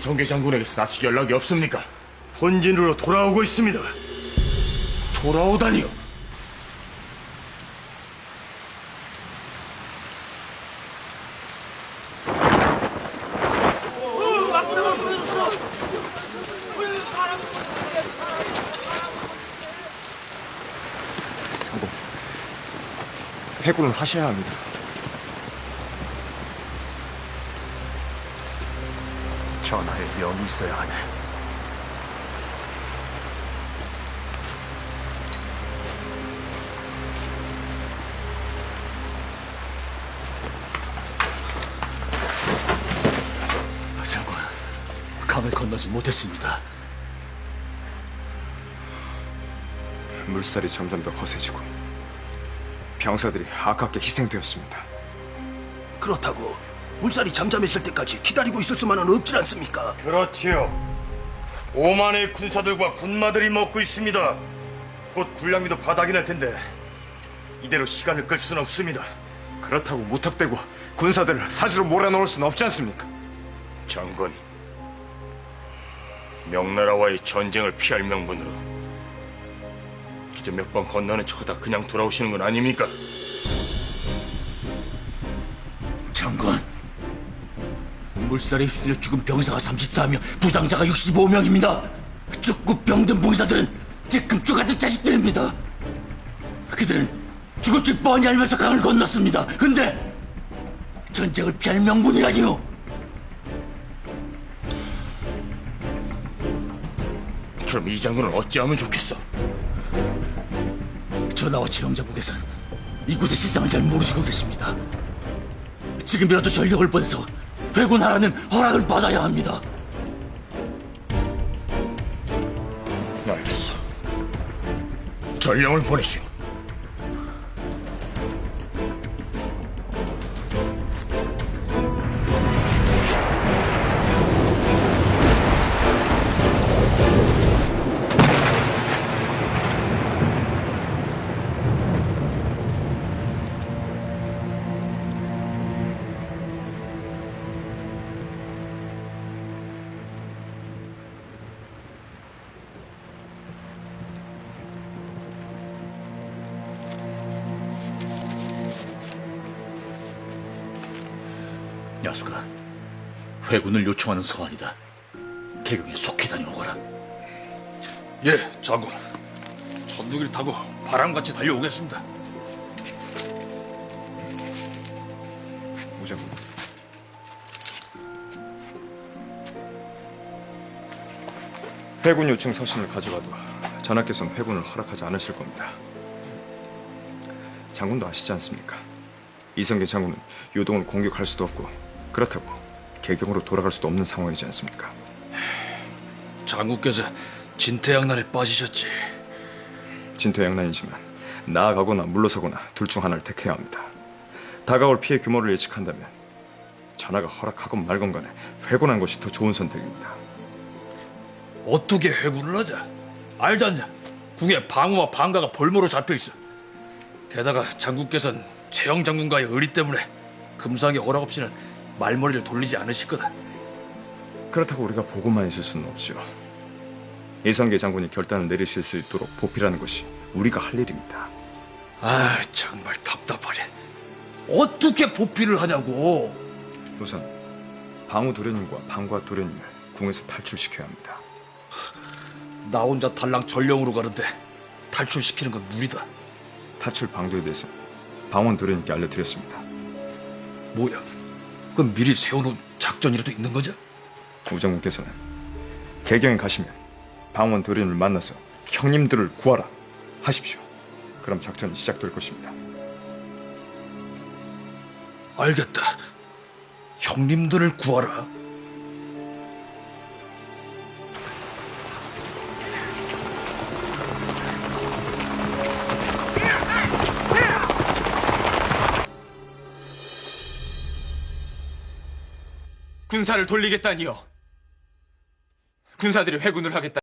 이성계 장군에게서 아직 연락이 없습니까? 본진으로 돌아오고 있습니다. 돌아오다니요? 장군, 해군을 하셔야 합니다. 전하의 명이 있어야 하네. 장군, 강을 건너지 못했습니다. 물살이 점점 더 거세지고 병사들이 아깝게 희생되었습니다. 그렇다고 물살이 잠잠했을 때까지 기다리고 있을 수만은 없질 않습니까? 그렇지요. 5만의 군사들과 군마들이 먹고 있습니다. 곧 군량미도 바닥이 날 텐데 이대로 시간을 끌 수는 없습니다. 그렇다고 무턱대고 군사들을 사지로 몰아넣을 수는 없지 않습니까? 장군, 명나라와의 전쟁을 피할 명분으로 기저 몇 번 건너는 척하다 그냥 돌아오시는 건 아닙니까? 장군, 물살에 휩쓸려 죽은 병사가 34명, 부상자가 65명입니다. 죽고 병든 병사들은 제 금쪽 같은 자식들입니다. 그들은 죽을 줄 뻔히 알면서 강을 건넜습니다. 근데 전쟁을 피할 명분이라니요. 그럼 이 장군은 어찌하면 좋겠어? 전하와 최영자국에서는 이곳의 실상을 잘 모르시고 계십니다. 지금이라도 전력을 보내서 회군하라는 허락을 받아야 합니다. 알겠어. 전령을 보내시오. 야수가 회군을 요청하는 서한이다. 개경에 속히 다녀오거라. 예, 장군. 천둥이를 타고 바람같이 달려오겠습니다. 무장군, 회군 요청 서신을 가져가도 전하께서는 회군을 허락하지 않으실 겁니다. 장군도 아시지 않습니까? 이성계 장군은 요동을 공격할 수도 없고 그렇다고 개경으로 돌아갈 수도 없는 상황이지 않습니까? 장군께서 진퇴양난에 빠지셨지. 진퇴양난이지만 나아가거나 물러서거나 둘 중 하나를 택해야 합니다. 다가올 피해 규모를 예측한다면 전하가 허락하건 말건 간에 회군한 것이 더 좋은 선택입니다. 어떻게 회군을 하자? 알지 않냐? 궁에 방어와 방가가 볼모로 잡혀있어. 게다가 장군께서는 최영 장군과의 의리 때문에 금상의 허락 없이는 말머리를 돌리지 않으실 거다. 그렇다고 우리가 보고만 있을 수는 없죠. 이성계 장군이 결단을 내리실 수 있도록 보필하는 것이 우리가 할 일입니다. 아, 정말 답답하네. 어떻게 보필을 하냐고. 우선 방우 도련님과 방과 도련님을 궁에서 탈출시켜야 합니다. 나 혼자 달랑 전령으로 가는데 탈출시키는 건 무리다. 탈출 방도에 대해서 방원 도련님께 알려드렸습니다. 뭐야? 그럼 미리 세워놓은 작전이라도 있는 거죠? 우장군께서는 개경에 가시면 방원 도련님을 만나서 형님들을 구하라 하십시오. 그럼 작전이 시작될 것입니다. 알겠다. 형님들을 구하라. 군사를 돌리겠다니요. 군사들이 회군을 하겠다.